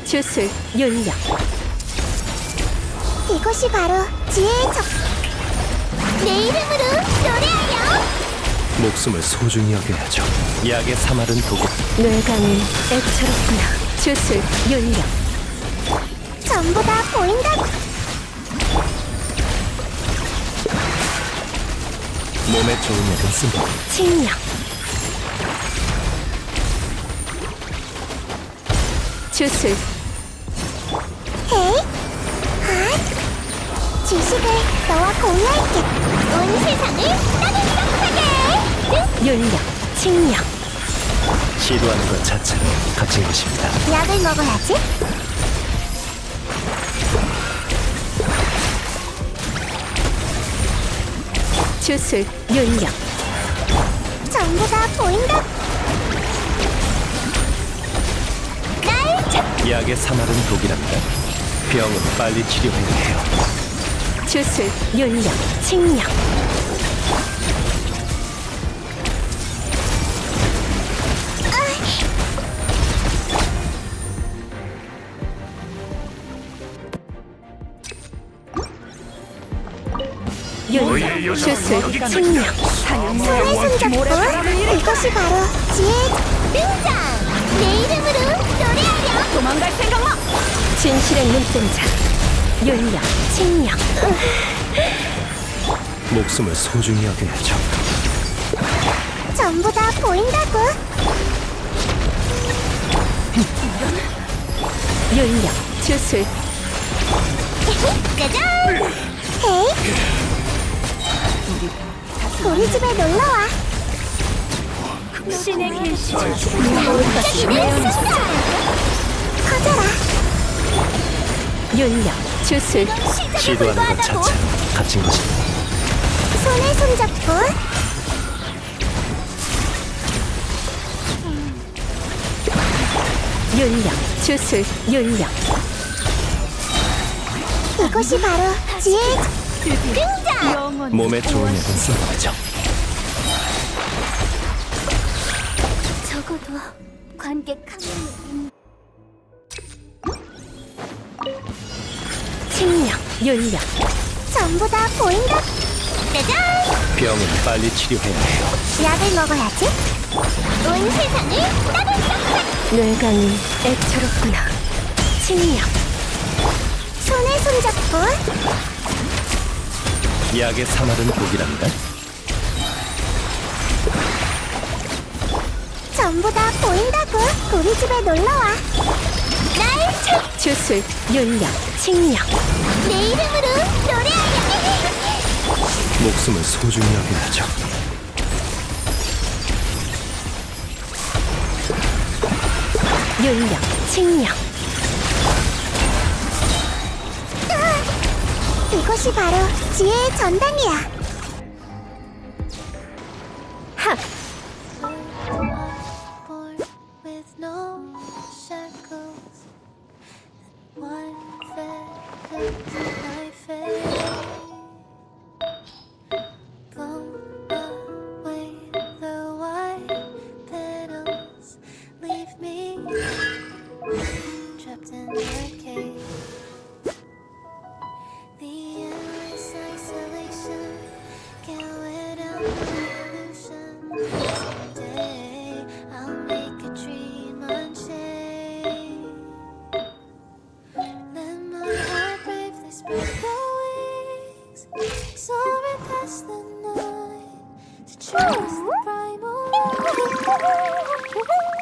주술 윤력. 이것이 바로 지혜의 적. 내 이름으로 노래하여. 목숨을 소중히 여겨야죠. 약의 사마른 도구. 뇌강이 애처롭구나. 주술 윤력. 전부 다 보인다고. 몸에 좋은 약은 쓴다. 칭령. 주술 헤이, 핫. 지식을 너와 공유할게. 온 세상을 따뜻하게. 윤력. 칭령. 시도하는 것 자체로 갇힌 것입니다. 약을 먹어야지. 주술 윤력. 전부 다 보인다. 날 찾. 약의 사마른 독이랍니다. 병은 빨리 치료해야 해요. 주술 윤력. 칭령. 윤력. 주술 칭령. 손에 손잡고. 이것이 바로 지혜의 적. 등장. 내 이름으로 노래하여. 도망갈 생각 마. 진실의 눈동자. 윤력. 칭령. 목숨을 소중히 여겨야죠. 전부 다 보인다고. 윤력. 주술 짜잔. 헤이. 우리 집에 놀러와. 신의 계시. 반짝이는 순간. 커져라. 윤력. 주술 시도하는 것 자체로 갇힌 것입니다. 손에 손잡고. 윤력. 주술 윤력. 이것이 바로 지혜의 적. 등장. 몸에 좋은 약은 써야죠. 적어도 관객 한 명은. 칭령. 윤력. 전부 다 보인다. 짜잔. 병은 빨리 치료해야 해요. 약을 먹어야지. 온 세상을 따뜻하게. 뇌강이 애처롭구나. 칭령. 손에 손잡고. 약의 사마른 독이랍니다. 전부 다 보인다고. 우리 집에 놀러와. 날 찾. 주술 윤력. 칭령. 내 이름으로 노래하여. 목숨을 소중히 여겨야죠. 윤력. 칭령. 이것이 바로 지혜의 전당이야. 하. Born with no shackles, one feather to my face. Blown away the white petals, leave me trapped in a cage. The endless isolation can't wear down the illusion. Someday I'll make a dream unchained. Let my heart brave the spread the wings, soaring past the night to trust the primal light.